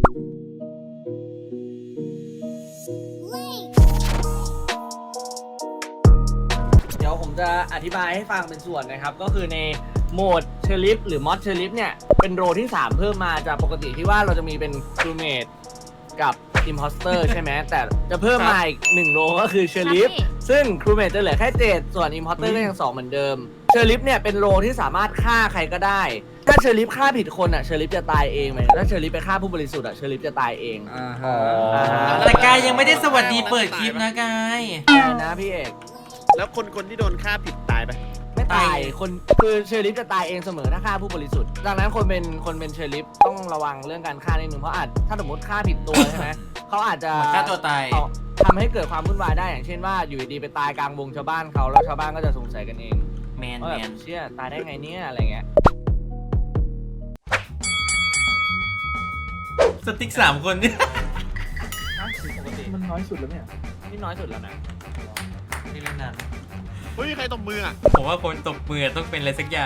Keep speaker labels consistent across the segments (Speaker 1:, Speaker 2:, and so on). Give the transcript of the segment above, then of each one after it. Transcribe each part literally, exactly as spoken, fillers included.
Speaker 1: เดี๋ยวผมจะอธิบายให้ฟังเป็นส่วนนะครับก็คือในโหมดเชอริฟหรือมอสเชอริฟเนี่ยเป็นโรที่สามเพิ่มมาจากปกติที่ว่าเราจะมีเป็นครูเมดกับอิมพอสเตอร์ใช่ไหมแต่จะเพิ่มมาอีกหนึ่งโรก็คือเชอริฟซึ่งครูเมดจะเหลือแค่เจ็ดส่วนอิมพอสเตอร์ก็ยังสองเหมือนเดิมเชอริฟเนี่ยเป็นโรที่สามารถฆ่าใครก็ได้ถ้าเชอริฟฆ่าผิดคนอ่ะเชอริฟจะตายเองไหมถ้าเชอริฟไปฆ่าผู้บริสุทธิ์อ่ะเชอริฟจะตายเอง
Speaker 2: อ่าฮ
Speaker 1: อ๋อ
Speaker 2: ะแต่กายยังไม่ได้สวัสดีเปิดคลิปนะกาย
Speaker 1: นะพี่เอก
Speaker 3: แล้วคนคนที่โดนฆ่าผิดตายไป
Speaker 1: ไม่ตายคนคือเชอริฟจะตายเองเสมอถ้าฆ่าผู้บริสุทธิ์ดังนั้นคนเป็นคนเป็นเชอริฟต้องระวังเรื่องการฆ่านิดนึงเพราะอาจถ้าสมมติฆ่าผิดตัวใช่ไหม เขาอาจจะ
Speaker 2: ฆ่าตัวตาย
Speaker 1: เอาทำให้เกิดความวุ่นวายได้อย่างเช่นว่าอยู่ดีๆไปตายกลางวงชาวบ้านเขาแล้วชาวบ้านก็จะสงสัยกันเอง
Speaker 2: แมน
Speaker 1: ว่า
Speaker 2: แม
Speaker 1: แบบ
Speaker 2: น
Speaker 1: เชี่ยตายได้ไงเนี่ยอะไรเงี้ย
Speaker 2: สติ๊กสามคนเนี่ย
Speaker 1: ปกติ
Speaker 4: มันน้อยสุดแล้วเนี่ย
Speaker 1: นี่น้อยสุดแล้วนะ
Speaker 2: นี่เล่นนาน
Speaker 3: เฮ้ยใครตบมืออ่ะ
Speaker 2: ผมว่าคนตบมือต้องเป็นอะไรสักอย่าง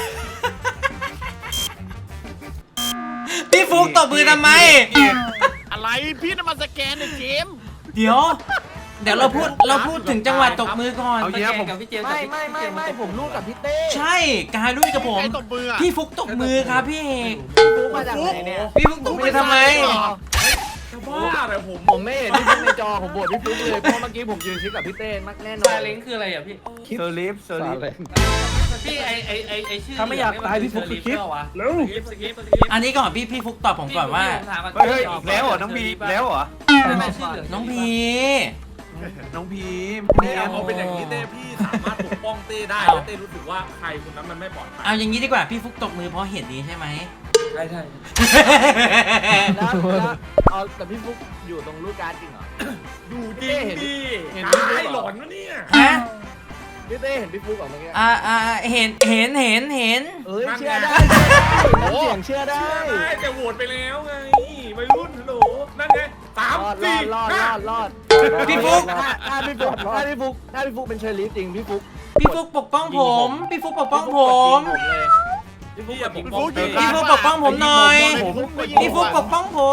Speaker 2: พี่ฟุกตบมือทำไม
Speaker 3: อะไรพี่น่ะมาสแกนในเกม
Speaker 2: เดี๋ยว เดี๋ยวเราพูดเราพูดถึงจังหวะตบมือก่อน
Speaker 4: เอาเยอะผม
Speaker 1: ไม่ไม่ไม่ไม่ผมรู้กับพี่เต้
Speaker 2: ใช่กายรู้กับผม
Speaker 3: ใครตบมืออ่ะ
Speaker 2: พี่ฟุกตบมือครับพี่เอก
Speaker 1: พี่ฟุกมาจากไหนเนี่ย
Speaker 2: พี่ฟุกตบมือทำไม
Speaker 4: บ้าเลยผม
Speaker 1: ผมไม่เห็นพี่ฟุกในจอผมโหวตพี่ฟุกเลยเพราะเมื่อกี้ผมยืนชิดกับพี่เต้มากแน่นอน
Speaker 5: ซาเล้งคืออะไรอ่ะพี่
Speaker 4: เซอร์ลิฟเซอร์ลิฟ
Speaker 5: พี่ไอไอไอไอชื่อ
Speaker 4: ถ้าไม่อยากตายพี่ฟุกสคริปต์ เร็ว
Speaker 5: สกิปสกิปสกิป
Speaker 2: อันนี้ก่อนพี่พี่ฟุกตอบผมก่อนว่า
Speaker 4: เฮ้ยอีกแล้วเหรอน้องบีอีกแล้วเหรอ
Speaker 2: น้องพี
Speaker 4: น้องพีม
Speaker 6: พี่เอาเป็นอย่างนี้เต้พี่สามารถปกป้องเต้ได้แล้วเต้รู้สึกว่าใครคนนั้นมันไม่ปลอดภัย
Speaker 2: เอาอย่างนี้ดีกว่าพี่ฟุกตบมือเพราะเหตุนี้ใช่ไหม
Speaker 6: ใช่ใช่
Speaker 1: แล้วแล้วเอาแต่พี่ฟุกอยู่ตรงลูกการ์ดจริงเหรอ
Speaker 6: ดูจริงดิ
Speaker 1: เห็น
Speaker 6: ตายหลอนวะเนี่ย
Speaker 2: ฮะ
Speaker 1: พี่เต้เห็นพี่ฟุกเหรอเมื่อกี้
Speaker 2: อ่าอ่าเห็นเห็นเห็นเห็น
Speaker 1: เอ้ยเชื่อได้น้ำเสียงเชื่อได้
Speaker 6: ใช่แต่โหวตไปแล้วไงวัยรุ่นฮัลโหลนั่นไงสาม
Speaker 1: รอดร
Speaker 6: สี่
Speaker 1: อดรอดร
Speaker 6: ห้า
Speaker 1: อดรอด
Speaker 2: พี่ฟุ๊ก
Speaker 1: ถ้าถ้าพี่ฟุกถ้าพี่ฟุกถ้าพี่ฟุกเป็นเชอร์ลีฟจริงพี่ฟุก
Speaker 2: พี่ฟุกปกป้องผม พี่ฟุกปกป้องผม
Speaker 1: เลยพี่ฟุก
Speaker 6: พี่
Speaker 1: กับ
Speaker 6: ผม
Speaker 1: พี่
Speaker 6: ป้
Speaker 1: ฟุ
Speaker 6: อง
Speaker 1: ก
Speaker 6: เต้
Speaker 2: พี่ฟุกปกป้องผมหน่อย พี่ฟุกปกป้องผม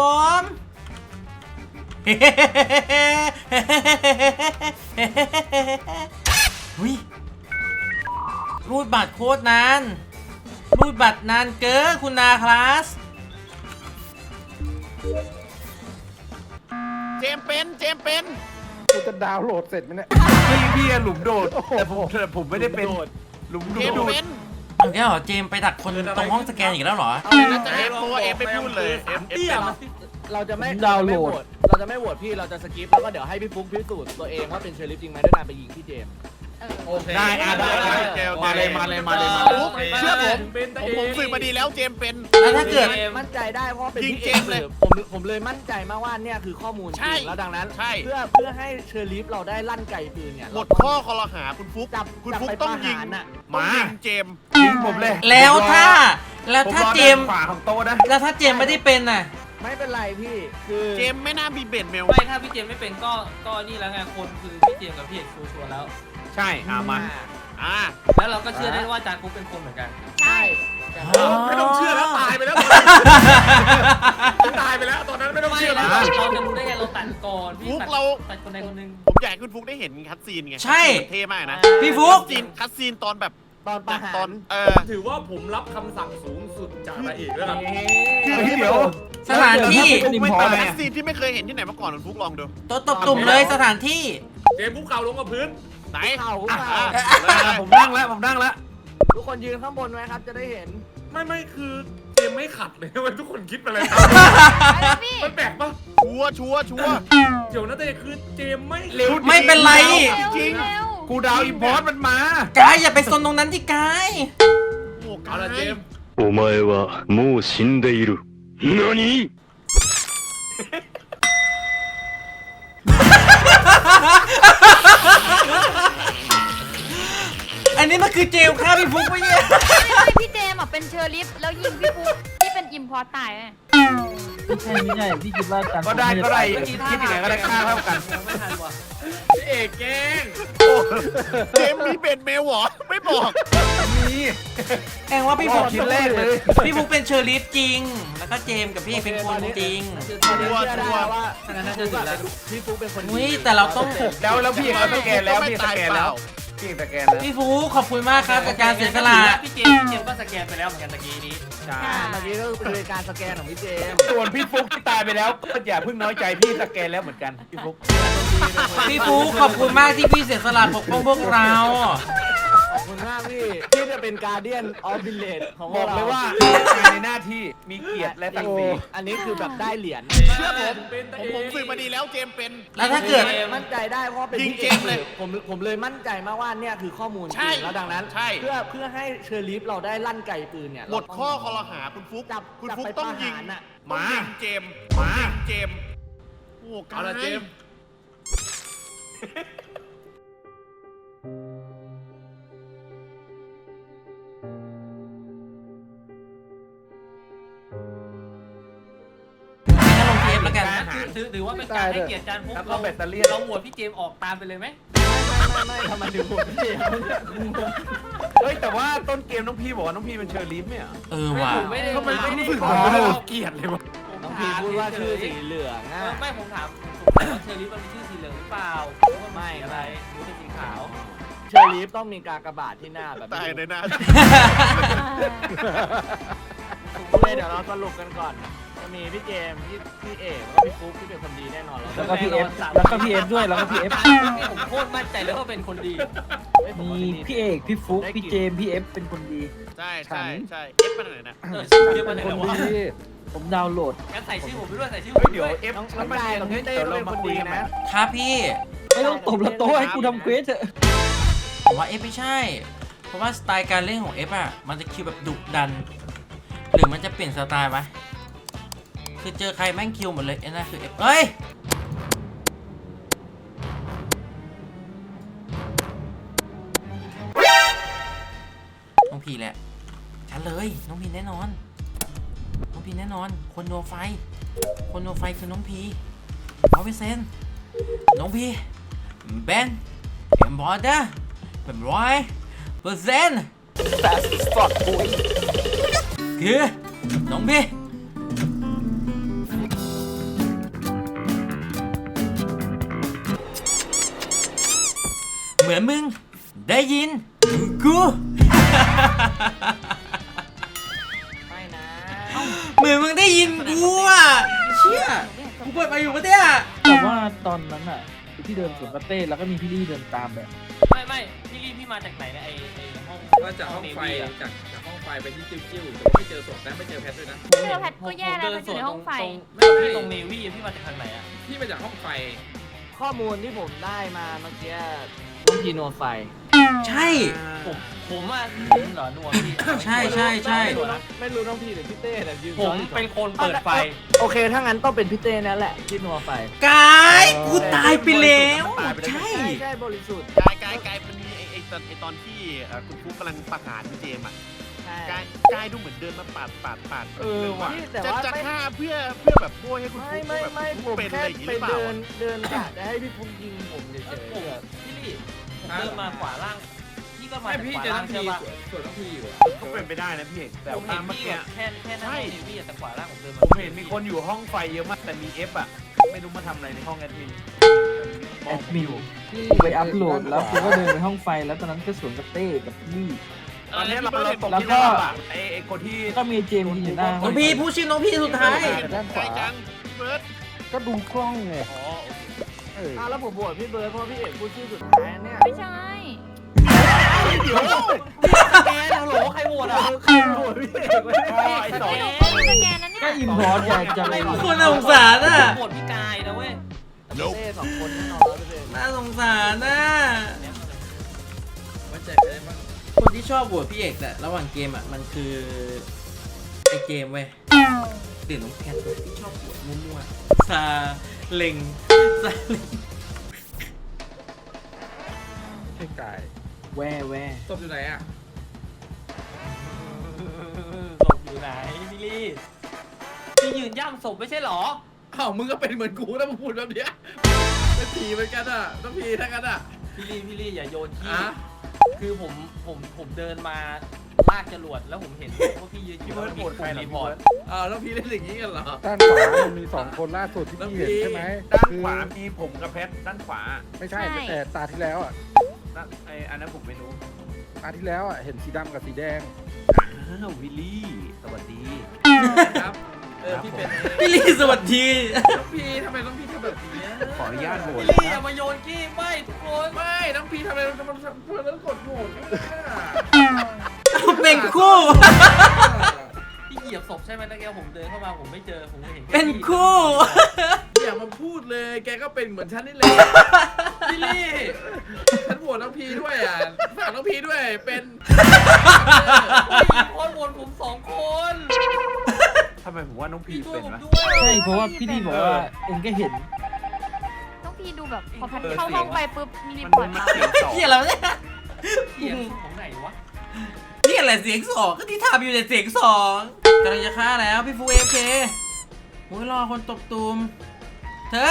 Speaker 2: หุยรูดบัตรโคตรนาน รูดบัตรนานเกินคุณนาคลาส
Speaker 3: เจมส์เป็นเจมส์เป็น
Speaker 4: กูจะดาวน์โหลดเสร็จไหมเนี่ยพี่พี่อะหลุมโดดแต่ผมแต่ผมไม่ได้เป็นหลุม
Speaker 3: เจ
Speaker 4: โด
Speaker 3: มส์
Speaker 4: ด
Speaker 3: เป็น
Speaker 2: เอาแค่เหรอเจมส์ไปดักคนตรงห้องสแกนอีกแล้วเหรอ
Speaker 3: เอาแล้วจะเอฟเพราะว่าเอฟไม่พูดเลยเอฟเอฟ
Speaker 6: เตี้ย
Speaker 3: เป็น
Speaker 6: มัน
Speaker 1: เราจะไม่
Speaker 4: ดาวน์โหลด
Speaker 1: เราจะไม่โหวตพี่เราจะสกิปแล้วก็เดี๋ยวให้พี่ฟุกพิสูจน์ตัวเองว่าเป็นเชอร์ลีฟจริงไหมด้วยการไปยิงพี่เจมส์
Speaker 5: โอเค
Speaker 4: ได้อ่ะได้ได้
Speaker 3: โอเคโอเค
Speaker 4: มาเลยมาเลยมาเลยมาเลย
Speaker 3: เชื่อผม
Speaker 6: เป็น
Speaker 3: ผ
Speaker 6: ตะ
Speaker 3: ม
Speaker 6: เอ
Speaker 3: ผม
Speaker 6: ง
Speaker 3: สืบมาดีแล้วเจมส์เป็น
Speaker 2: แล้วถ้าเกิด
Speaker 1: มั่นใจได้เพราะเป็น
Speaker 3: ยิง
Speaker 1: พี่
Speaker 3: เจ
Speaker 1: เอ
Speaker 3: ม
Speaker 1: ง
Speaker 3: ส์
Speaker 1: เล
Speaker 3: เลย ย
Speaker 1: ผมผมเลยมั่นใจมากว่าเนี่ยคือข้อมูลจ
Speaker 3: ใช่
Speaker 1: ริงแล้วดังนั้น
Speaker 3: ใช่
Speaker 1: เพื่อเพื่อให้เชอร์ลีฟเราได้ลั่นไกปืนเนี่ย
Speaker 3: หมดข้อคอรหาคุณฟุก
Speaker 1: จับ
Speaker 3: คุณ
Speaker 1: จับ
Speaker 3: ฟุก
Speaker 1: ไป
Speaker 3: ต้อง
Speaker 1: ประ
Speaker 3: ยิง
Speaker 1: หารน่ะ
Speaker 3: ต้อง
Speaker 4: มา
Speaker 3: ยิงเจมส์
Speaker 4: ยิงผมเลย
Speaker 2: แล้วถ้า แล้ว
Speaker 4: ผม
Speaker 2: ถ้าร
Speaker 4: อ
Speaker 2: เจมส์
Speaker 4: ด้านขวาของโต๊ะนะ
Speaker 2: แล้วถ้าเจมส์ไม่ได้เป็นน่ะ
Speaker 1: ไม่เป็นไรพี่คือ
Speaker 3: เจมส์ไม่น่ามีเบ็ดเมล
Speaker 5: ไม่ถ้าพี่เจมไม่เป็นก็ก็นี่แล้วไงคนคือพี่เจมกับพี่เอกชัวร์แล้ว
Speaker 4: ใช่อ่ะมา
Speaker 3: อ่า
Speaker 5: แล้วเราก็เชื่อได้ว่าจานฟุกเป็นคนเหมือนกัน
Speaker 1: ใช่
Speaker 6: ไม่ต้องเชื่อแล้วตายไปแล้วตายไปแล้วตอนนั้นไม่ต้อง
Speaker 5: ไม่
Speaker 6: เชื่อ
Speaker 5: แล้
Speaker 6: แล้ว ว
Speaker 5: เราจะรู้ได้ไงเราตัดก่อนพี่
Speaker 3: ฟุก
Speaker 5: ตัด
Speaker 3: เรา
Speaker 5: ตัดคนใดคนหนึ่ง
Speaker 3: ผมอยากให้คุณฟุกได้เห็นคัดซีนไง
Speaker 2: ใช่
Speaker 3: เท่มากนะ
Speaker 2: พี่ฟุก
Speaker 3: คัดซีนคัดซีนตอนแบบ
Speaker 1: ตอนประหาร
Speaker 3: ตอนเออ
Speaker 6: ถือว่าผมรับคำสั่งสูงสุดจากนายเอกแล้วกัน
Speaker 4: เฮ้ยเดี๋ยว
Speaker 2: สถานที่
Speaker 4: เป็นไม่
Speaker 3: เป็
Speaker 4: ตาน ย
Speaker 3: คัด
Speaker 4: อะ
Speaker 3: ซีนที่ไม่เคยเห็นที่ไหนมาก่อนคุณฟุกลองดู
Speaker 2: โต๊ะตบตุ่มเลยสถานที่
Speaker 6: เจมส์คุกเข่าลงกับพื้น
Speaker 3: ไหน
Speaker 1: เข่า
Speaker 3: อ่ะ
Speaker 1: เข่า
Speaker 3: อ่ะ
Speaker 4: ผมนั่งแล้วผมนั่งแล้ว
Speaker 1: ทุกคนยืนข้างบนไว้ครับจะได้เห็น
Speaker 6: ไม่ไม่คือเจมส์ไม่ขัดเลยมันทุกคนคิดไปเลยครับมันแปลกปะ
Speaker 3: ชัวร์ชัวร์ชัวร์
Speaker 6: เดี๋ยวนะเต้คือเจมส์ไม่
Speaker 4: เร็ว
Speaker 2: ไม่เป็นไร
Speaker 3: จริง
Speaker 4: กูดาวอินพอร์ตมันมาก
Speaker 2: ายอย่าไปซนตรงนั้นที่กาย
Speaker 3: โอ้
Speaker 6: เอาละเจมส์
Speaker 7: お前はもう死んでいる。何
Speaker 2: อันนี้มันคือเจลฆ่าพี่ฟุกไปเนี่ย
Speaker 8: ไม่ไม่พี่เจมส์อ่ะเป็นเชอร์ลิฟแล้วยิงพี่ฟุกที่เป็นอิมพอร์ตตายไหม
Speaker 4: ไม่ใช่ไม่ใช่พี่คิดว่าการก็ได้ก็ได้คิดยังไงก็ได้ค่าเท่ากัน
Speaker 5: ไม่ทันว่ะ
Speaker 6: พี่เอกแกล้ง
Speaker 3: เจมส์มีเบ็ดเมลเหรอ ไม่บอก
Speaker 1: มี
Speaker 2: แองว่าพี่ฟุก
Speaker 4: ชิ้นแรกเลย
Speaker 2: พี่ฟุกเป็นเชอร์ลีฟจริง แล้วก็เจมส์กับพี่เอกเป็นคนจริง
Speaker 1: ตอนนี้เชื่อได้ว่า
Speaker 5: อันนั้นน่าจะถึงแล้ว
Speaker 1: พี่ฟุ๊กเป็นคนดี
Speaker 2: อุ้ยแต่เราต้อง
Speaker 4: แล้วแล้วพี่เอกก็สแกนแล้วพี่เอกสแกนแล้วพี่เอกสแกนแล้ว
Speaker 2: พี่ฟุกขอบคุณมากครับกับการเสียสละ
Speaker 5: พี่เจมส์พี่เจมส์ก็สแกนไปแล้วเหมือนกันตะกี้นี้
Speaker 4: ใช่
Speaker 1: เมื่อกี้ก็คือการสแกนของพี่เจมส์
Speaker 4: ส่วนพี่ฟุกที่ตายไปแล้วก็อย่าเพิ่งน้อยใจพี่สแกนแล้วเหมือนกันพี่ฟุก
Speaker 2: พี่ฟุกขอบคุณมากที่พี่เสียสละปกป้องพวกเรา
Speaker 1: ขอบคุณมากพี่ที่จะเป็นการเดียนออฟวิลเลจของ
Speaker 4: บอก
Speaker 1: เรา
Speaker 4: เลยว่าในหน้าที่มีเกียรติและศักดิ์ศรี
Speaker 1: อันนี้คือแบบได้เหรียญ
Speaker 3: เชื่อผมผมผมฝึกมาดีแล้วเจมส์เป็น
Speaker 2: แล้วถ้าเกิด
Speaker 1: มั่นใจได้เพราะเป็น
Speaker 3: ยิง
Speaker 1: พี่
Speaker 3: เจมส์เลย
Speaker 1: ผมผมเลยมั่นใจมากว่าเนี่ยคือข้อมูลจ
Speaker 3: ใช่
Speaker 1: ริงแล้วดังนั้น
Speaker 3: ใช่
Speaker 1: เพื่อเพื่อให้เชอร์ลีฟเราได้ลั่นไกปืนเนี่ย
Speaker 3: หมดข้อคอรหาคุณฟุก
Speaker 1: จับ
Speaker 3: คุณ
Speaker 1: จับ
Speaker 3: ฟุก
Speaker 1: ไป
Speaker 3: ต้อง
Speaker 1: ประ
Speaker 3: ยิง
Speaker 1: หารน่ะ
Speaker 3: ต้องยิงเจมส์
Speaker 4: มา
Speaker 3: ยิงเจมส์โอ้กา
Speaker 6: เอาละ
Speaker 3: ย
Speaker 6: เจมส์
Speaker 2: ให้ลงทีเอฟแล้วกัน
Speaker 5: ถือถือถือว่าเป็นการให้เกียรติจานฟุก
Speaker 4: แล้วก็
Speaker 5: เรา
Speaker 4: แบตเตอรี่
Speaker 5: เราโหวตพี่เจมส์ออกตามไปเลยไหม
Speaker 1: ไม่ไม่ไม่ทำไมถึงโหวตพี่เจมส์เนี่ย
Speaker 4: เฮ้ยแต่ว่าต้นเกมน้องพี่บอกว่าน้องพี่เป็นเชอร์ลีฟเนี่ย
Speaker 2: เออว่ะ
Speaker 5: ผมไม่ได้
Speaker 4: ทำไมไม่รู้สึก
Speaker 5: ผ
Speaker 4: ผม
Speaker 5: ม
Speaker 4: ไม่ได้
Speaker 5: ถาม
Speaker 4: เกลียดเลยวะ
Speaker 1: น้องพีพูดว่าชื่อสีเหลือง
Speaker 5: เอ
Speaker 1: อ่ะ
Speaker 5: อไม่ผมถามผมสงสัยว่าเชอร์รี่มันมีชื่อสีเหลืองหรือเปล่าหรือว่ามันสีอะไรหรือเป็นสีขาว
Speaker 1: เชอร์ลีฟต้องมีกากบาทที่หน้าแบบ
Speaker 3: ตายใน
Speaker 1: นี้
Speaker 3: หน้า
Speaker 1: โอเคเดี๋ยวเราสรุปกันก่อนจะมีพี่เจมส์พี่พี่เอกแล้วก็พี่ฟุ๊กที่เป็นคนดีแน่นอน
Speaker 5: แล้วก็พี่เอฟ
Speaker 1: แล้วก็พี่เอฟด้วยแล้วก็พี่เอฟ
Speaker 5: ผมโคตรมั่นใจเลยว่าเป็นคนดี
Speaker 1: มีพี่เอกพี่ฟุ๊กพี่เจมส์พี่เอฟเป็นคนดี
Speaker 3: ใช่ใช่ใช่เอฟมาไหนนะ
Speaker 5: เออชื่อเรียกมาไหน
Speaker 1: คน
Speaker 5: แล้ววะ
Speaker 1: ดีผมดาวน์โหลด
Speaker 5: งั้นใส่ชื่อผมไปด้วยใส่ชื่อผ
Speaker 4: เฮ้
Speaker 5: ม
Speaker 4: ย
Speaker 5: ไป
Speaker 4: เดี๋
Speaker 5: ด้
Speaker 4: ยว
Speaker 5: วย
Speaker 4: เอฟ
Speaker 1: น้อง
Speaker 4: แล้ว
Speaker 1: น้อง
Speaker 4: มัน
Speaker 1: กายกับพี่เต้
Speaker 4: เดี๋ยว
Speaker 1: ก็
Speaker 4: เรา
Speaker 1: เป็น
Speaker 4: มา
Speaker 1: คน
Speaker 4: คุย
Speaker 1: ดี
Speaker 4: กัน
Speaker 1: นะ
Speaker 2: ครับพี่
Speaker 1: ไม่ต้องตบละโต้ให้กูทำเควสเถอะ
Speaker 2: ผมว่าเอฟไม่ใช่ เพราะว่าสไตล์การเล่นของเอฟอ่ะ มันจะคิวแบบดุดัน หรือมันจะเปลี่ยนสไตล์วะคือเจอใครแม่งคิวหมดเลยไอ้นั่นคือเอฟเอ้ย น้องพีแหละ ฉันเลย น้องพีแน่นอน น้องพีแน่นอน คนโนไฟ คนโนไฟคือน้องพีร้อยเปอร์เซ็นต์น้องพีแบนเอ็มบอร์เดอร์เป็นร้อยเปอร์เซ็นต์คือน้องพีเหมือนมึงได้ยินกู
Speaker 1: ไม่นะ
Speaker 2: เหมือนมึงได้ยินกูอ่ะเชี่ยกูเปิดมาอยู่ปะเนี่ย
Speaker 9: แต่ว่าตอนนั้นอ่ะที่เดินสวนกับเต้แล้วก็มีพี่ลี่เดินตามแบบ
Speaker 5: ไม่ไม่พี่ลี่พี่มาจากไหนเนี่ยไอไอห้อง
Speaker 6: ก็จากห้องไฟ
Speaker 5: เนวี่ะ
Speaker 6: จากจากห้องไฟไปที่จิ้วๆแต่ว่าไม่เจอศพนะไม่เจอแพทด้วยนะ
Speaker 8: เจอแพทก็แย่แล้ว
Speaker 5: ผม
Speaker 8: มันอยู่ในห้องไฟ
Speaker 5: ตรงไม่ตรงเนวี่พี่มาจากทางไหนอ่ะ
Speaker 6: พี่มาจากห้องไฟ
Speaker 1: ข้อมูลที่ผมได้มาเมื่อกี้น้องพีโนไฟ
Speaker 2: ใช่
Speaker 5: ผมผมอ่ะผมเหรอนัวพี่
Speaker 2: ใช่ใช่ใช่
Speaker 1: ไม่รู้น้องไม่รู้น้องพีหรือพี่เต้แต่ยืน
Speaker 5: ผมเป็นคนเปิดไฟ
Speaker 1: โอเคถ้างั้นต้องเป็นพี่เต้นั่นแหละที่นัวไฟ
Speaker 2: กายกูตายไปแล้ว ใช่
Speaker 1: ใช่ใช่บริสุทธิ์
Speaker 3: กายกายกายมันมีไอ้ไอ้ตอนไอ้ตอนที่เอ่อคุณฟุกกำลังประหารพี่เจมส์อ่ะ
Speaker 1: ใช่
Speaker 3: กายกายดูเหมือนเดินมาปาดปาดปาด
Speaker 4: เออว่ะ
Speaker 1: นี่แต่
Speaker 3: จะ
Speaker 1: ว่า
Speaker 3: จะ
Speaker 1: ไม่
Speaker 3: ฆ่าเพื่อเพื่อแบบโบยให้คุณ
Speaker 1: ไม่
Speaker 3: ฟุก
Speaker 1: ไม่
Speaker 3: แบบ
Speaker 1: ไม่
Speaker 3: คุณ
Speaker 1: ผ
Speaker 3: ฟุก
Speaker 1: ม
Speaker 3: เป็นอะ
Speaker 1: แค่
Speaker 3: ไรอย่างงี้ห
Speaker 1: ไป
Speaker 3: รือเปล่า
Speaker 1: เดินเดินกะจะให้พี่ฟุ๊กยิงผมเฉย
Speaker 5: เออ
Speaker 1: ๆ
Speaker 5: ผม
Speaker 1: แบบ
Speaker 5: พี่ลี่ผมเดินมาขวาล่าง พี่ก็มา
Speaker 6: ไม่
Speaker 5: จาก
Speaker 6: พี่
Speaker 5: ขวา
Speaker 6: เจอ
Speaker 5: ล่า
Speaker 6: น้
Speaker 5: ง
Speaker 6: องพี
Speaker 5: ใช่ปะ
Speaker 6: ส่วนน้องพีอยู่อะ
Speaker 4: ก็เป็นไปได้นะพี่เอกแต่
Speaker 5: ผมเห็
Speaker 4: ว่าน เมื่อ
Speaker 5: พี่
Speaker 4: กี้
Speaker 5: อะแค่แค่หน้าห้องเนวี่อะแต่ขวาล่างผมเดินมา
Speaker 4: ผมเห็นมีคนอยู่ห้องไฟเยอะมากแต่มีเอฟอ่ะไม่รู้มาทำอะไรในห้องแอดมิน
Speaker 9: แอดมินกูไปอัพโหลดแล้วกูก็เดินไปห้องไฟแล้วตอนนั้นก็สวนกับเต้กับพี่ลี่
Speaker 4: ตอนนี้เราเราตก
Speaker 9: แล้ว
Speaker 4: ที่
Speaker 9: ก็
Speaker 4: ระดับอะไอ้ไอ้คนที่
Speaker 9: ก็มีเจมส์ยืนอยู่หน้า
Speaker 2: น้องพี่พูดชื่อน้องพี่สุดท้าย
Speaker 9: ด้านข
Speaker 3: ไกล
Speaker 9: วา
Speaker 3: จังพี่เบิร์ด
Speaker 9: ก็ดูกล้องไง
Speaker 3: อ๋อโอเค
Speaker 9: เออ
Speaker 1: อ้าวแล้วผมโหวตพี่เบิร์ดเพราะพี่เอกพูดชื่อสุดท้ายเนี่ย
Speaker 8: ไม่ใช่
Speaker 1: เดี๋ยวแกฮัลโหลใครโหวตอ่ะใครโหวตพี่เอกไว้
Speaker 4: อ๋อไอ้สอง
Speaker 8: เอ๊ะไม่สแกนนะเนี่ย
Speaker 9: ก็อิมพอร์ตอยากจะเลย
Speaker 2: คนน่าสงสารอ่ะ
Speaker 5: โหวตพี่กายนะเว้ย
Speaker 1: เต้สองคนแน่นอนร้อยเปอร์เซ็นต์
Speaker 2: น่าสงสารน่ะ
Speaker 6: ไว้ใจใครได้บ้าง
Speaker 2: คนที่ชอบโหวตพี่เอกแต่ระหว่างเกมอ่ะมันคือไอเกมเว้ยเดี๋ยวน้องแพทที่ชอบโหวตมั่วๆซาเล็งซาเล็ง
Speaker 4: ไอ้กาย
Speaker 9: แว่แว่
Speaker 6: ศพอยู่ไหนอ่ะ
Speaker 5: ศพอยู่ไหนพี่ลี่พี่ยืนย่ำศพไม่ใช่หรอ
Speaker 6: อ้าวมึงก็เป็นเหมือนกูนะมึงพูดแบบเนี้ยเป็นผีเหมือนกันอ่ะต้องผีทั้งกันอ่ะ
Speaker 5: พี่ลี่พี่ลี่อย่าโยนขี้
Speaker 6: อ่ะ
Speaker 5: คือผมผมผมเดินมาลากจรวดแล้วผมเห็นว่าพี่ยืนอยู่แล้วมีปุ่มรีพอร์ต
Speaker 6: เออแล้วพี่เล่นอย่างนี้กันเหรอ
Speaker 4: ด้านขวามันมีสองคนล่าสุดที่พี่เห็นใช่ไหม
Speaker 3: ด้าน
Speaker 4: คือ
Speaker 3: ขวามีผมกับเพชรด้านขวา
Speaker 4: ไม่ใช่แต่ตาที่แล้วอ่ะ
Speaker 3: ด้านไออันนั้นผมไม่รู้
Speaker 4: ตาที่แล้วอ่ะเห็นสีดำกับสีแดง
Speaker 3: อ้าววิลลี่สวัสดี
Speaker 6: ครับ เออพี่เป็น
Speaker 2: พี่ลี่สวัสดี
Speaker 6: น้องพี่ทำไมน้องพี่ทำแบบนี้
Speaker 3: ขออนุญาตโหวต
Speaker 5: พี่ลี่อย่ามาโยนกี้ไม่ทุกคน
Speaker 6: ไม่น้องพี่ทำไมทำไมทำไมต้องกดโหวต
Speaker 2: เป็นคู่
Speaker 5: พี่เหยียบศพใช่ไหมตะเกียบผมเดินเข้ามาผมไม่เจอผมก็เห็นแ
Speaker 2: เป็นคู่
Speaker 6: อย่ามาพูดเลยแกก็เป็นเหมือนฉันนี่แหละพี่ลี่ฉันโหวตน้องพี่ด้วยอ่ะฝากน้องพี่ด้วยเป็น
Speaker 5: พี่คนวนผมสองคน
Speaker 3: ทำไมผมว่าน้องพี
Speaker 5: พี่ช่วย
Speaker 3: เป็น
Speaker 5: ผม
Speaker 3: วะ
Speaker 5: ด้วย
Speaker 9: ใช่เพราะว่าพี่ดีบอกว่าเองก็เห็น
Speaker 8: ต้องพี่ดูแบบพอพัน
Speaker 3: เออ
Speaker 8: เข้า
Speaker 3: เสียง
Speaker 8: ห้องไปปุ๊บมีรี
Speaker 3: มัน
Speaker 8: พอร์ต
Speaker 3: มัน
Speaker 8: มา
Speaker 3: เสียงสอง
Speaker 2: เฮียอะไรวะเนี่ย
Speaker 5: เสียงของไหนวะ
Speaker 2: นี่อะไรเสียงสองก็ที่ทำอยู่ในเสียงสองกำลังจะฆ่าแล้วพี่ฟูเอฟเคโอ้ยรอคนตบตูมเธอ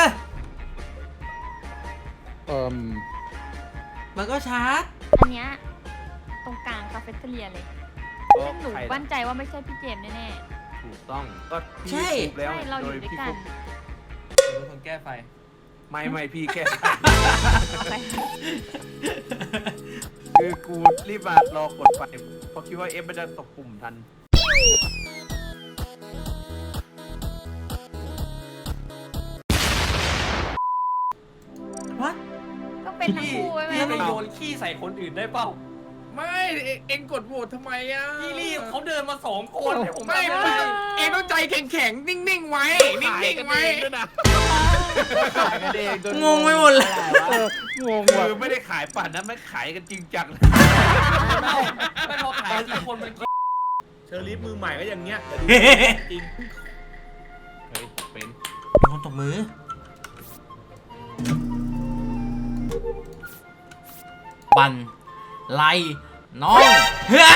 Speaker 4: เอ่ม
Speaker 2: มันก็ชาร์จ
Speaker 8: อันเนี้ยตรงกลางคาเฟ่เทเลียเลยซึ่งหนูมั่นใจว่าไม่ใช่พี่เจมส์แน่
Speaker 3: ถูกต้องก็พี่
Speaker 2: ใช่
Speaker 3: ถูก
Speaker 8: ๆ
Speaker 3: แล้ว
Speaker 8: ใช่เราอยู่ด้วยกัน
Speaker 5: ผมเป็นคนแก้ไฟ
Speaker 3: ไม่ไม่พี่แค่
Speaker 8: เอาไป
Speaker 3: คือกูรีบมารอกดไฟเพราะคิดว่าเอฟมันจะตกปุ่มทัน
Speaker 2: วัด
Speaker 8: ก็เป็นทั้งคู่ไว้ไหม
Speaker 5: พี่ไปโยนขี้ใส่คนอื่นได้เปล่า
Speaker 6: ไม่เอเอ็งกดโหวตทำไมอ่ะ
Speaker 5: พี่ลี่เขาเดินมาสองคนให้ผม
Speaker 6: ไม่
Speaker 5: ทำ
Speaker 6: ไม่
Speaker 5: ด้
Speaker 6: ต้องเอ็งต้องใจแข็งๆนิ่งๆไว้นิ่งๆไว้
Speaker 1: ขายกันเองจน
Speaker 2: งงไปหมดเลย
Speaker 4: เอองง
Speaker 3: คื
Speaker 4: ว่ะ
Speaker 3: อไม่ได้ขายปั่นนะไม่ขายกันจริงจัง
Speaker 5: ไม่ไม่พอขายกี่คนมัน
Speaker 6: เชอรี่มือใหม่ก็อย่างเงี้ยจริง
Speaker 3: เฮ้ยเป็น
Speaker 2: มีคนตบมือ บัน ไล น้องเฮ้ย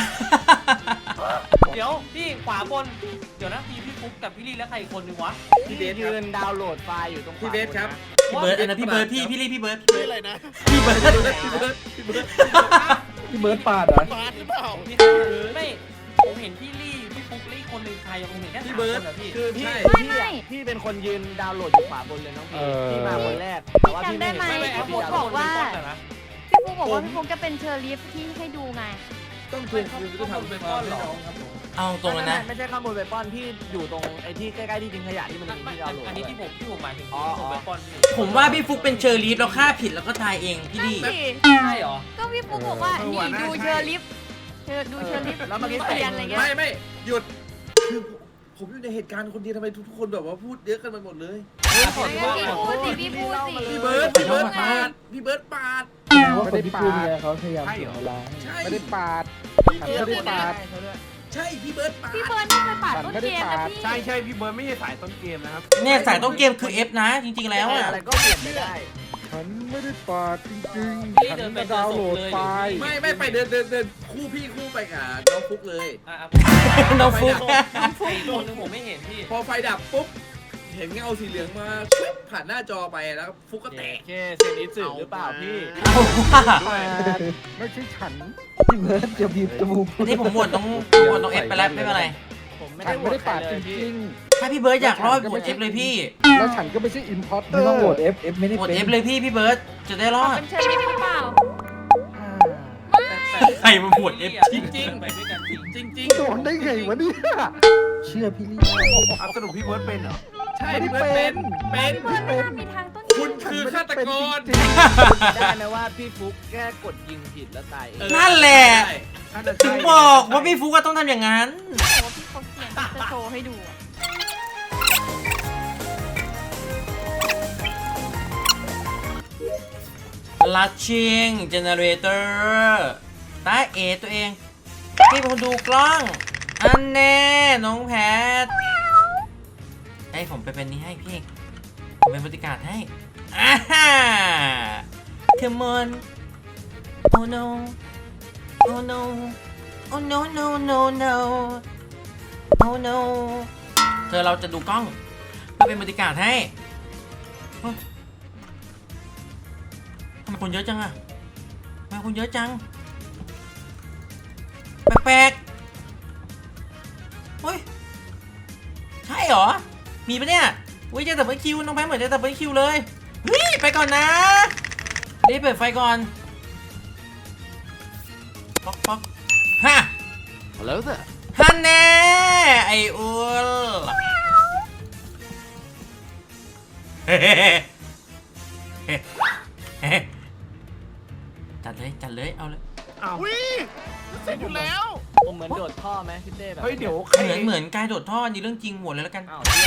Speaker 5: เดี๋ยวพี่ขวาบน เดี๋ยวนะพี่พี่ฟุ๊กกับพี่ลี่แล้วใครอีกคนนึงวะ
Speaker 6: พี่เบสค
Speaker 1: ยื
Speaker 6: รับ
Speaker 1: นดาวน์โหลดไฟล์อยู่ตรงขวา
Speaker 6: พี่เบสครับ
Speaker 2: พี่เบิร์ดอันนั้นพี่เบิร์ดพี่พี่ลี่พี่เบิร์ด
Speaker 6: ชื่ออะไรนะ
Speaker 2: พี่เบิร์ด
Speaker 6: พี่เบิร์ดพี่เบิร์ด
Speaker 9: พี่เบิร์ดปาดเหรอ
Speaker 6: บาสหรือเปล่า
Speaker 5: พี่ไม่ผมเห็นพี่ลี่พี่ฟุ๊กลี่คนหนึ่งใครผมเห็นแค่สาม
Speaker 6: พี่
Speaker 5: ค
Speaker 6: เบิร์ด
Speaker 5: นเหรอพี่
Speaker 6: คือ
Speaker 1: พี่
Speaker 6: พี่
Speaker 1: พี่อะพี่เป็นคนยืนดาวน์โหลดอยู่ขวาบนเลยน้องพี่พี่มาคนแรกแต่ว่าพี่ไม่เห็น
Speaker 5: ไม่ไม่
Speaker 1: ว่า
Speaker 5: ไอ้
Speaker 1: พี่
Speaker 5: ฟุ๊ก
Speaker 1: ดาวน์โหล
Speaker 5: บอก
Speaker 1: ด
Speaker 5: ว่านะ
Speaker 8: พี่ฟุ๊กบอกว่าพี่ฟุ๊กจะเป็นเชอร์ลีฟที่ให้ดูไง
Speaker 6: ต้องทวงคืนก็ทำเป็นก้อนหรอ
Speaker 2: เอาตรงเลยนะ
Speaker 1: ไม่ใช่ข้างบนเวปอนพี่อยู่ตรงไอ้ที่ใกล้ๆที่ทิ้งขยะที่มันมีที่ดาวน์โหลด
Speaker 5: อันนี้ที่ผมที่ผมหมายถึง
Speaker 1: อ๋อ
Speaker 5: ที่ผมไปป้อนพี่
Speaker 2: ผมว่าพี่ฟุกเป็นเชอร์ลีฟแล้วฆ่าผิดแล้วก็ตายเองพี่
Speaker 8: นั่น
Speaker 2: ลี่
Speaker 8: สิ
Speaker 5: ใช่เหรอ
Speaker 8: ก็พี่ฟุ๊กบอกว่า นี่ดูเชอร์ลีฟเชอร์ดูเชอร์ลีฟ
Speaker 1: แล้วเมื่อกี้
Speaker 8: เปลี่ยนอะไรเงี้ย
Speaker 6: ไม่ไม่หยุดคือผมอยู่ในเหตุการณ์คนเดียวทำไมทุกคนแบบว่าพูดเยอะกันไปหมดเลย
Speaker 1: ขอโทษ
Speaker 8: พี่พูดสิพี่พูดสิ
Speaker 6: พี่เบิร์ดพี่เบิร์ดปาดพี่เบิร์ดปาด
Speaker 9: แสดงว่าคนที่พูดเนี่ยเขาพยายามเสียเวลาให้
Speaker 6: ใช่
Speaker 4: ไม่ได้ปาดฉันไม่ได้ปาด
Speaker 6: ใช่พี่เบิร์ดปาด
Speaker 8: พี่เบิร์ดไม่เคยปาดต้นเกมนะพี่
Speaker 3: ใช่ใช่พี่เบิร์ดไม่ใช่สายต้นเกมนะครับ
Speaker 2: เนี่ยสายต้นเกมคือ F นะ จริงๆแล้วอ่ะ
Speaker 1: อะไรก็เปลี่ยนไม่ได้
Speaker 4: ฉันไม่ได้ปาดจริง
Speaker 5: พี่
Speaker 4: ๆฉัน
Speaker 5: เดินไป
Speaker 4: มาดาวน์โหลดไฟล์
Speaker 6: ไม่ไม่ไปเดินเดินเดินคู่พี่คู่ไปกับน้องฟุกเลย
Speaker 5: อ่ะอ่ะ
Speaker 2: น้องฟุก
Speaker 5: อีกคนนึงผมไม่เห็นพี่
Speaker 6: พอไฟดับปุ๊บเห็นเงาสีเหลืองมาปึ๊บผ่านหน้าจอไปแล้วฟุกก็แตก
Speaker 1: แค่เซนิสึหรือเปล่าพี่
Speaker 2: เอาว่า
Speaker 4: ปาดไม่ใช่ฉัน
Speaker 9: พี่เบิร์ดจะบีบจมูก
Speaker 2: นี่ผมโหวตน้องผมโหวตน้อง F ไปแล้วไม่เป็นไร
Speaker 1: ผมไม่
Speaker 4: ฉั
Speaker 1: ได้
Speaker 4: น
Speaker 1: โหว
Speaker 4: ไม่
Speaker 1: ต
Speaker 4: ได้
Speaker 1: ใคร
Speaker 4: ปาด
Speaker 1: เล
Speaker 4: จ
Speaker 1: ยพี่
Speaker 4: ริง
Speaker 2: ถ้าพี่เบิร์ดอยากรอดโหวต F เลยพี่
Speaker 4: ๆแล้วฉันก็ไม่ใช่อินพอร์เตอ
Speaker 9: ไม่
Speaker 4: ร์
Speaker 9: ต้องโหวต F F ไม่ได้
Speaker 2: โหวต
Speaker 9: เป็น
Speaker 2: F เลยพี่พี่เบิร์ดจะได้รอด
Speaker 8: เป็นเชอร์ลีฟหรือเปล่า
Speaker 2: ใครมาโหวต F
Speaker 5: จริงๆไปด้วยกันจริง
Speaker 6: จริง
Speaker 4: โดนได้ไงวะเนี่ย
Speaker 9: เชื่อพี่ลี่
Speaker 3: อัสรุปพี่เบิร์ดเป็นเหรอ
Speaker 6: ๆ ใช่พี่เบิร์ดเป็นเป็น
Speaker 8: พี่เบิร์ดไม่น่ามีทางต้น
Speaker 6: คุณคือฆาตกร
Speaker 1: ได้นะว่าพี่ฟุกแค่กดยิงผิดแล้วตายเอง
Speaker 2: นั่นแหละ
Speaker 6: ใช่
Speaker 2: ถึงบอกว่าพี่ฟุกก็ต้องทำอย่างนั้น
Speaker 8: แต่ว่าพี่เขาเขียนจะโชว์ให้ดูอะ
Speaker 2: ลัชชิงเจเนเรเตอร์ตาเอตัวเอง พี่เป็นคนดูกล้อง อันแน่น้องแพทให้ผมไปเป็นนี้ให้พี่ ผมเป็นบริการให้อ่าฮ่า Come on Oh no Oh no Oh no no no no Oh no เธอเราจะดูกล้องเพื่อเป็นบริการให้เฮ้ยทำไมคนเยอะจังอะทำไมคนเยอะจังแปลกๆเฮ้ยใช่เหรอมีปะเนี่ยอุ้ยเจอดับเบิลคิวน้องแพทเหมือนเจอดับเบิลคิวเลยเฮ้ยไปก่อนนะรีบเปิดไฟก่อนป๊อกป๊อกฮะ
Speaker 3: แล้วเถอะ
Speaker 2: ฮันแน่ไอ้อ้วนเฮ้เฮ้เฮ้จัดเลยจัดเลยเอาเลย
Speaker 4: อ้าว
Speaker 3: อุ้ยเสร็จอยู่แล้ว
Speaker 1: ผมเหมือนโดดท่อไหมพี่เต้แบบ
Speaker 4: เฮ้ยเดี๋ยวใคร
Speaker 2: เหมือนเหมือนกายโดดท่อนี่เรื่องจริงหัวเลยแล้วกัน
Speaker 1: อ้าวเนี่ย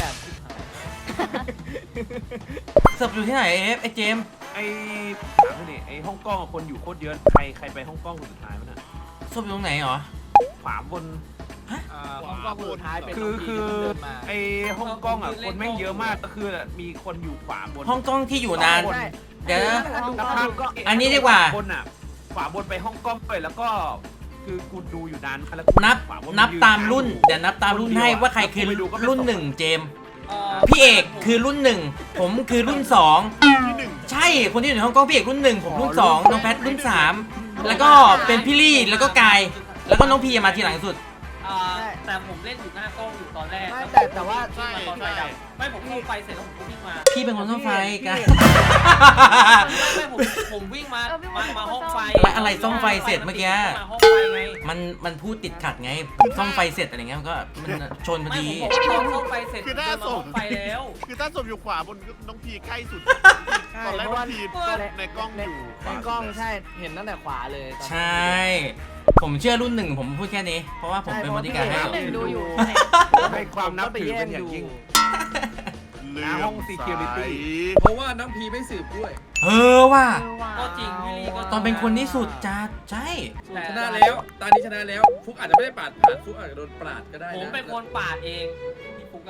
Speaker 2: เสิร์ฟอยู่ที่ไหนเอฟไอเจม
Speaker 4: ไอ้ถามหน่อยไอ้ฮ่องกงอะคนอยู่โคตรเยอะใครใครไปฮ่องกงคนสุดท้ายมั้ยน่ะ
Speaker 2: ศพอยู่ตรงไหนหรอ
Speaker 4: ขวาบน
Speaker 1: อ่าของกล้องสุดท้ายเป็น
Speaker 4: คือคือ
Speaker 1: น้งพีที่เดินมา
Speaker 4: ไอ้ฮ่องกงอ่ะคนแม่งเยอะมากก็คือมีคนอยู่ขวาบน
Speaker 2: ห้องกล้องที่อยู่นาน
Speaker 1: ใช่
Speaker 2: เดี๋ยวนะ
Speaker 1: ดู
Speaker 4: แล้ว
Speaker 1: ก็
Speaker 4: ข้าง
Speaker 1: ดูก็
Speaker 2: อันนี้ดีกว่า
Speaker 4: บนอ่ะขวาบนไปฮ่องกงไปแล้วก็คือกูดูอยู่นานแล้ว
Speaker 2: นับ
Speaker 4: ขวาบ
Speaker 2: นับ
Speaker 4: ยื
Speaker 2: ตามรุ่น เดี๋ยวนับตามรุ่นให้ว่าใครคือ
Speaker 4: ไปดูก็ไม่
Speaker 2: รุ่น
Speaker 4: ตก
Speaker 2: หนึ่งเจม
Speaker 1: เอ่อ
Speaker 2: พี่เอกคือรุ่นหนึ่งผมคือรุ่นสอง
Speaker 3: ที่หนึ่ง
Speaker 2: ใช่คนที่อยู่ในห้องกล้องพี่เอกรุ่นหนึ่งผมรุ่นสองน้องแพทรุ่นสามแล้วก็เป็นพี่ลี่แล้วก็กายแล้วก็น้องพีมาทีหลังสุด
Speaker 5: อ่าแต่ผมเล่นอยู่หน้ากล้องอยู่ตอนแรก
Speaker 1: ไม่แต่แต่ว่า
Speaker 3: ใช่
Speaker 5: ตอนไฟ
Speaker 3: ใช่
Speaker 5: ดับไม่ผมเข้าไฟเสร็จแล้วผมก็วิ่งมา
Speaker 2: พี่เป็นคนต้องไฟกาย
Speaker 5: ไม่ผมผมวิ่งมา
Speaker 8: เออพี่
Speaker 5: มา
Speaker 8: เป็นคน
Speaker 5: มาห้องไฟ
Speaker 2: แล้วอะไรซ่อมไฟเสร็จเมื่อกี้
Speaker 5: มาห้องไฟไง
Speaker 2: มันมันพูดติดขัดไงผมซ่อมไฟเสร็จอะไรเงี้ยมันก็มันชนพอ
Speaker 5: ไม่
Speaker 2: ดี
Speaker 5: ผมผมตอนเข้าไฟเสร็จ
Speaker 3: คือหน้า
Speaker 5: เดินมา
Speaker 3: ศ
Speaker 5: ห้อ
Speaker 3: พ
Speaker 5: งไฟแล้ว
Speaker 3: คือถ้าศพอยู่ขวาบนน้องพีใกล้สุด
Speaker 1: ใช่
Speaker 3: ตอนแรก
Speaker 1: เพราะ
Speaker 3: น้อ
Speaker 1: ว่าง
Speaker 3: พีในกล้องอยู่ข
Speaker 1: ใน
Speaker 3: วาก
Speaker 1: ล้อง
Speaker 3: สุด
Speaker 1: ใช่เห็นตั้งแต่ขวาเลยตอน
Speaker 2: ใช่ ผมเชื่อรุ่นหนึ่งผมพูดแค่นี้ เพราะว่าผมเป็นบริการให้
Speaker 8: รุ่นหนึ่งดูอยู่
Speaker 4: ให้ความนับถือเป็นอย่างยิ่ง
Speaker 3: เลื
Speaker 4: หน้าห้อง security
Speaker 6: เพราะว่าน้องพีไม่สืบด้วย
Speaker 2: เออว่ะ
Speaker 8: เออว่ะ
Speaker 5: ก็จริงพี่ลี่ก็
Speaker 2: ตอนเป็นคนที่สุดจัดใช่
Speaker 6: ชนะแล้วตอนนี้ชนะแล้วฟุกอาจจะไม่ได้ปาดผ่านฟุกอาจจะโดนปาดก็ได้
Speaker 5: ผม
Speaker 6: นะ
Speaker 5: เป็นคนปาดเองพี่ฟุกอะ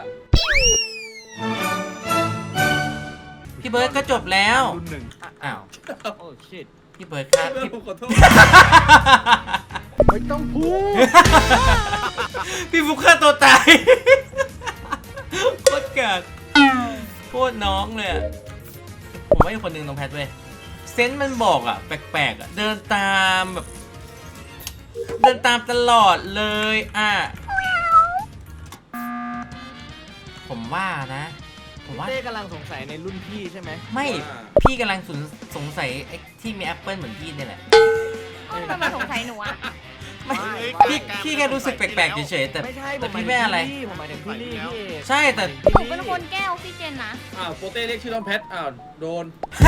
Speaker 2: พี่เบิร์ดก็จบแล้ว
Speaker 4: รุ่นหนึ่ง
Speaker 2: อ้าว
Speaker 1: โอ้ชิต
Speaker 2: พี่เบิร์ดครับ
Speaker 6: เพื่อน
Speaker 2: พี่
Speaker 6: ผมขอโทษ
Speaker 4: ไม่ต้องพูด
Speaker 2: พี่ฟุกฆ่าตัวตาย โคตรเกิดโคตรน้องเลยอะผมว่าอีกคนหนึ่งน้องแพทเว้ยเซนส์มันบอกอะแปลกๆอะเดินตามแบบ เดินตามตลอดเลยอ่ะผมว่านะ ผมว่า
Speaker 1: เต้กำลังสงสัยในรุ่นพี่ใช่ไหม
Speaker 2: ไม่พี่กำลังสงสงสัยไอ้ที่มีแอปเปิลเหมือนพี่เนี่ยแหละ
Speaker 8: เอ้าทำไมสงสัยหนูอะ
Speaker 2: ไม่พี่พี่แค่รู้สึกแปลกๆเฉยๆแต่
Speaker 1: ไม่ใช่
Speaker 2: แต่พี่ไม่อะไร
Speaker 1: ผมหมายถึงพี่ลี่พี่เอก
Speaker 2: ใช่แต่
Speaker 8: หนูเป็นคนแก้ออกซิเจนนะ
Speaker 6: อ้าวโปเต้เรียกชื่อน้องแพทอ้าวโดน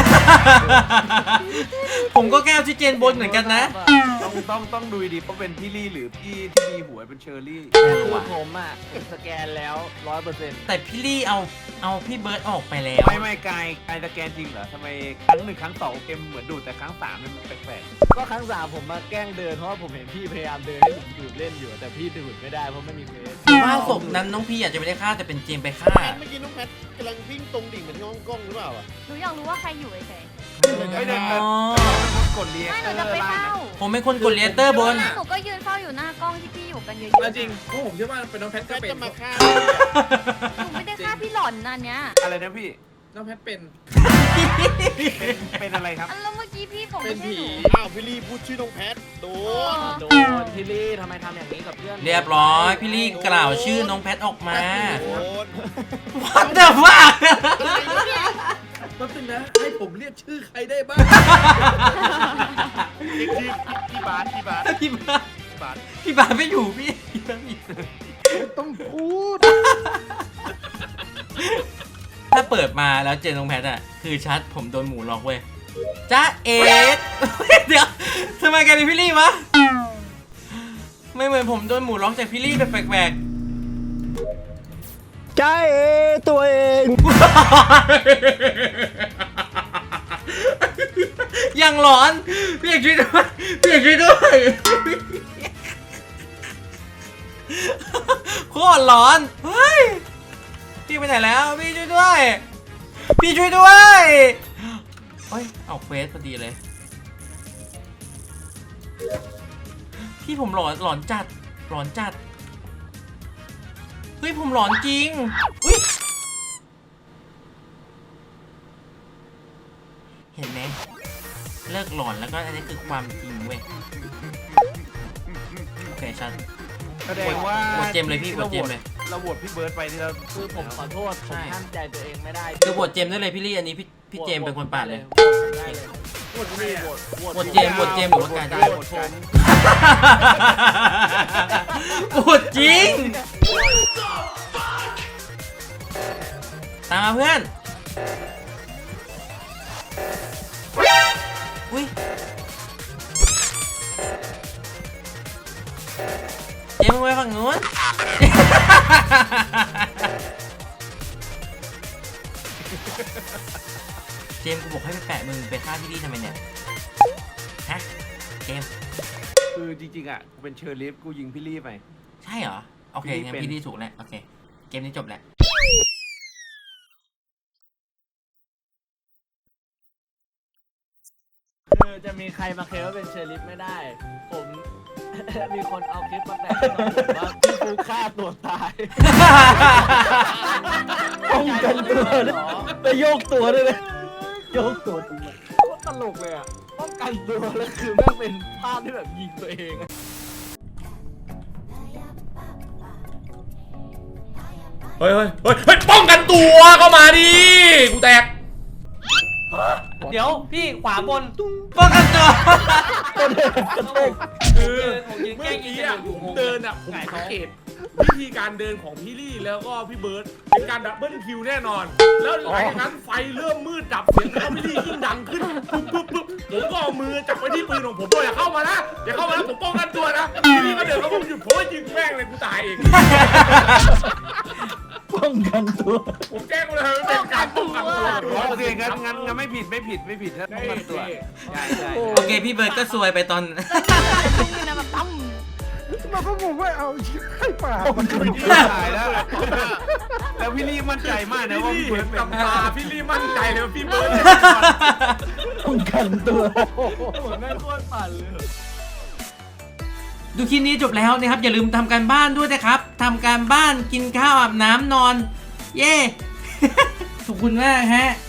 Speaker 2: ผมก็แก้วที่เจนบนเหมือนกันนะ
Speaker 4: ต้องต้องต้องดูดีเพราะเป็นพี่ลี่หรือพี่ที่มีหัวเป็นเชอร์รี่
Speaker 1: คือผมอ่ะสแกนแล้วร้อยเปอร์เซ็นต์
Speaker 2: แต่พี่ลี่เอาเอาพี่เบิร์ดออกไปแล้ว
Speaker 4: ไม่ไม่กายกายสแกนจริงเหรอทำไมครั้งหนึ่งครั้งสองเกมเหมือนดูดแต่ครั้งสามมันแปลก
Speaker 1: ก็ครั้งสามผมมาแกล้งเดินเพราะว่าผมเห็นพี่พยายามเดินให้ผมดูดเล่นอยู่แต่พี่ดูดไม่ได้เพราะไม่มีเฟส
Speaker 2: ว่าศพนั้นน้องพี่อาจจะไม่ได้ฆ่าแต่เป็นเจมไปฆ่า
Speaker 3: เมื่อกี้น้องแพทกำลังวิ่งตรงดิ่งเหมือนห้องกล้องหรือเปล่าอ่ะ
Speaker 8: หนูอยากรู้ว่าใครอยู่เฉย
Speaker 4: ๆไม่ได้แต่กดเรีย
Speaker 8: ๆ
Speaker 4: ก
Speaker 8: ไม่หนูจะไปเฝ้า
Speaker 2: ผมเป็นคนกดเลเตอร์บน
Speaker 8: หนูก็ยืนเฝ้าอยู่หน้ากล้องที่พี่อยู่กันเยอะ
Speaker 6: เอาจริงพวกผมเชื่อว่าเป็นน้องแพท
Speaker 3: แพ
Speaker 6: ก็
Speaker 3: ท
Speaker 6: เป็น
Speaker 3: จะมาฆ่า
Speaker 8: หนูไม่ได้ฆ่าพี่หล่อนนะอันเนี้ย
Speaker 4: อะไรนะพี่
Speaker 6: น้องแพทเป็น
Speaker 4: เป็นเป็นอะไรครับ
Speaker 8: อันแล้วเมื่อกี้พี่บอก
Speaker 6: เป็
Speaker 8: ไม่
Speaker 6: น
Speaker 8: ใช่
Speaker 6: ผี
Speaker 8: หนู
Speaker 3: อ้าวพี่ลี่พูดชื่อน้องแพทโดน
Speaker 1: โดนพี่ลี่ทำไมทำอย่างนี้กับเพื่อน
Speaker 2: เรียบร้อยพี่ลี่กล่าวชื่อน้องแพทออกมา
Speaker 3: โดน
Speaker 2: What the fuck
Speaker 6: แป๊บนึงนะให้ผมเรียกชื่อใครได้บ้าง
Speaker 3: เรียกชื่อพี่บาสพี่บาส
Speaker 2: พี่บาส
Speaker 3: พี่บาส
Speaker 2: พี่บาสไม่อยู่พี่พี่บาสไม่อยู่
Speaker 4: ต้องพูด
Speaker 2: ถ้าเปิดมาแล้วเจอน้องแพทอะคือชัดผมโดนหมูล็อกเว้ยจ้าเอ็ด เดี๋ยวทำไมกลายเป็นพี่ลี่วะไม่เหมือนผมโดนหมูล็อกจากพี่ลี่แบบแปลกๆจ้าเอตัวเอง ยังหลอนพี่อยากช่วยด้วยพี่อยากช่วยด้วยโคตรหลอนเฮ้ยพี่ไปไหนแล้วพี่ช่วยด้วยพี่ช่วยด้วยเฮ้ยเอาเควสพอดีเลยพี่ผมหลอนหลอนจัดหลอนจัดเฮ้ยผมหลอนจริงอุ๊ยเห็นไหมเลิกหลอนแล้วก็อันนี้คือความจริงเว้ยเคชัน
Speaker 4: แสดงว่า
Speaker 2: โหวตเจมส์เลยพี่โหวตเจมส์เลย
Speaker 4: เราโหวตพี่เบิร์ดไปที่เรา
Speaker 1: คือผมขอโทษผ
Speaker 2: ใช่
Speaker 1: มห้ามใจตัวเองไม่ได้
Speaker 2: คือโหวตเจมส์ได้เลยพี่ลี่อันนี้พี่พี่เจมส์เป็นคนปาดเลย
Speaker 1: ได้เลย
Speaker 6: โหวตไม่อะ
Speaker 2: โหวตเจมส์โหวตเจมส์หรือว่าการ
Speaker 4: ได้โหวตกัน
Speaker 2: โหวตจริงตามมาเพื่อนอุ้ยเจมส์มึงไปฝั่งนู้น เจมส์กูบอกให้ไปแปะมึงไปฆ่าพี่ลี่ทำไมเนี่ย ฮะ เจมส์
Speaker 4: คือจริงๆอ่ะกูเป็นเชอร์ลิฟกูยิงพี่ลี่ไป
Speaker 2: ใช่เหรอ โอเค
Speaker 4: พี่ลี่
Speaker 2: งั้น
Speaker 4: เป็น
Speaker 2: พี่ลี่ถูกแล้ว โอเค เกมนี้จบแล้ว
Speaker 1: คือจะมีใครมาเคลมว่าเป็นเชอร์ลิฟไม่ได้ ผม มีคนเอาคลิปมาแปะให้ผมว่าพี่ฟูฆ่าตัวตาย
Speaker 9: ป้องกันตัวนะไปโยกตัวด้วยนะโยกตัวทำไม
Speaker 1: โคตรตลกเลยอ่ะป้องกันตัวแล้วคือแม่งเป็นภาพที่แบบยิงตัวเองอะ
Speaker 10: เฮ้ยเฮ้ยเฮ้ยเฮ้ยป้องกันตัวเข้ามาดิกูแตก
Speaker 5: เดี๋ยวพี่ขวาบน
Speaker 2: ป้องกันตัว
Speaker 6: คือ
Speaker 5: ผมยืน
Speaker 6: เมื่
Speaker 5: แกล้
Speaker 6: อง
Speaker 5: ยิง
Speaker 6: กี้
Speaker 5: กัน
Speaker 6: อ่ะ
Speaker 5: อยู่
Speaker 6: ผม
Speaker 5: งง
Speaker 6: เดินอ่ะผมสังเกตวิธีการเดินของพี่ลี่แล้วก็พี่เบิร์ดเป็นการดับเบิลคิวแน่นอน แล้วหลังจากนั้นไฟเริ่มมืดดับเสียงของพี่ลี่ยิ่งดังขึ้นปุ๊บปุ๊บปุ๊บผมก็เอามือจับไปที่ปืนของผมบอกอย่าเข้ามานะอย่าเข้ามานะผมป้องกันตัวนะพี่ลี่ก็เดินเข้ามาผมหยุดผมก็ยิงแม่งเลยกูตายเอง
Speaker 9: ป้องกันตัว
Speaker 6: ผมแจ้งเลยว่าเป็นการป้องกันตัว
Speaker 4: โอเคงั้นงั้นงั้นไม่ผิดไม่ผิดไม่ผิดถ้าป้องกันตัวใช่ใช่
Speaker 2: โอเค พี่เบิร์ดก็ซวยไปตอน
Speaker 8: นี่นะแบบตั้ม
Speaker 4: มาก็งงว่าเอาใครป่ามันคือที่ตายแล้ว แล้วพี่ลี่มั่นใจมากนะ
Speaker 6: พี่
Speaker 4: ว่า
Speaker 6: ลี่
Speaker 4: พี่เบิ
Speaker 6: เห็
Speaker 4: ร์
Speaker 6: น
Speaker 4: ดเป็
Speaker 6: กับ
Speaker 4: น
Speaker 6: ตาพี่ลี่มั่นใจเลยว่าพี่เบิร์ด
Speaker 9: ป้องกันตัว
Speaker 1: เหมือนแม่งโคตรปั่นเลย
Speaker 2: ดูคลิปนี้จบแล้วนะครับ อย่าลืมทำการบ้านด้วยนะครับทำการบ้านกินข้าวอาบน้ำนอน เย้ ขอบคุณมากฮะ